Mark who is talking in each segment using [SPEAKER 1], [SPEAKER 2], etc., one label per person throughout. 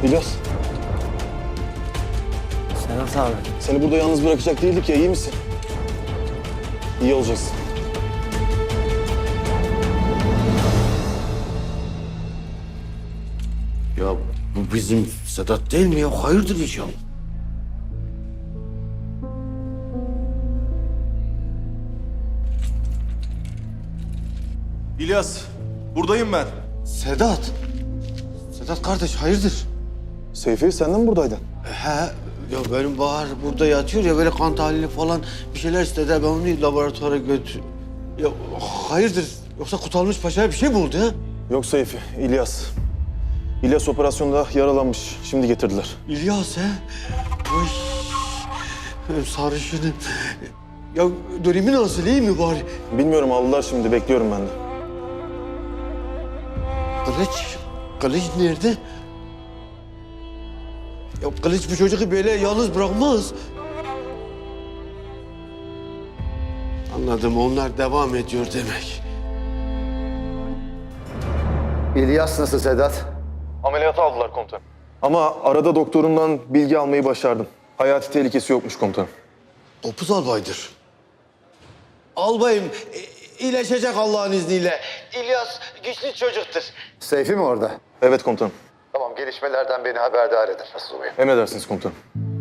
[SPEAKER 1] İlyas,
[SPEAKER 2] Sedat abi.
[SPEAKER 1] seni burada yalnız bırakacak değildik ya, iyi misin? İyi olacaksın.
[SPEAKER 3] Ya bu bizim Sedat değil mi ya? Hayırdır inşallah.
[SPEAKER 1] İlyas, buradayım ben.
[SPEAKER 3] Sedat. Sedat kardeş hayırdır?
[SPEAKER 1] Seyfi, sen de mi buradaydın?
[SPEAKER 3] He. Ya benim Bahar burada yatıyor ya böyle kan tahlili falan bir şeyler istedi. Ben onu laboratuvara götür. Ya hayırdır? Yoksa Kutalmış Paşa'ya bir şey mi oldu ha?
[SPEAKER 1] Yok Seyfi, İlyas. İlyas operasyonda yaralanmış, şimdi getirdiler.
[SPEAKER 3] İlyas he? Vay. Benim sarışınım. Ya dönemi nasıl iyi mi bari?
[SPEAKER 1] Bilmiyorum, aldılar şimdi, bekliyorum ben de.
[SPEAKER 3] Kılıç nerede? Ya Kılıç bu çocuğu böyle yalnız bırakmaz. Anladım, onlar devam ediyor demek.
[SPEAKER 4] İlyas nasıl Sedat?
[SPEAKER 1] Ameliyata aldılar komutanım. Ama arada doktorundan bilgi almayı başardım. Hayati tehlikesi yokmuş komutanım.
[SPEAKER 3] Topuz albaydır. Albayım, iyileşecek Allah'ın izniyle. İlyas güçlü çocuktur.
[SPEAKER 4] Seyfi mi orada?
[SPEAKER 1] Evet komutanım.
[SPEAKER 4] Tamam, gelişmelerden beni haberdar eder. Nasıl olayım?
[SPEAKER 1] Emredersiniz komutanım.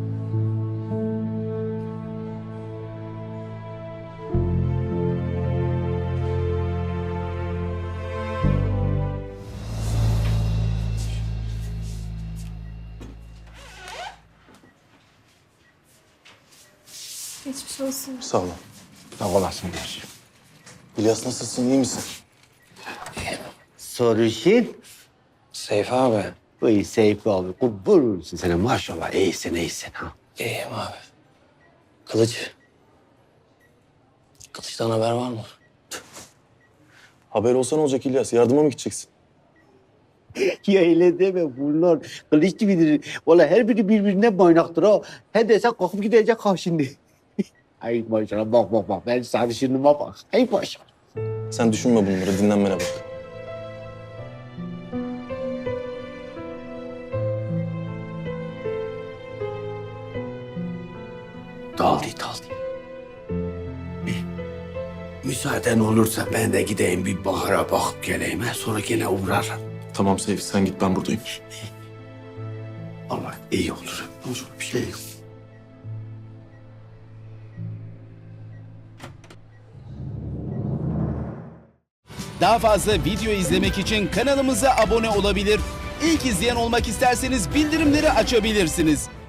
[SPEAKER 5] Geçmiş olsun.
[SPEAKER 1] Sağ olun.
[SPEAKER 3] Sağ olasın kardeşim.
[SPEAKER 1] İlyas nasılsın, iyi misin?
[SPEAKER 3] Sarışın.
[SPEAKER 2] Seyfi abi.
[SPEAKER 3] Vay Seyfi abi, kurban olsun sana maşallah. İyisin ha.
[SPEAKER 2] İyiyim abi. Kılıç. Kılıç'tan haber var mı?
[SPEAKER 1] Haber olsa ne olacak İlyas? Yardıma mı gideceksin?
[SPEAKER 3] Ya öyle deme bunlar. Kılıç gibidir. Valla her biri birbirine baynaktır ha. He desen kalkıp gidecek ha şimdi. Ay maşallah bak. Ben sarışınıma bak. Ay maşallah.
[SPEAKER 1] Sen düşünme bunları, dinlenmene bak.
[SPEAKER 3] Daldı. Müsaaden olursa ben de gideyim bir Bahar'a bakıp geleyim. Sonra gene uğrarım.
[SPEAKER 1] Tamam Seyfi, sen git, ben buradayım.
[SPEAKER 3] Allah iyi olur. Ne olur bir şey yok.
[SPEAKER 6] Daha fazla video izlemek için kanalımıza abone olabilir. İlk izleyen olmak isterseniz bildirimleri açabilirsiniz.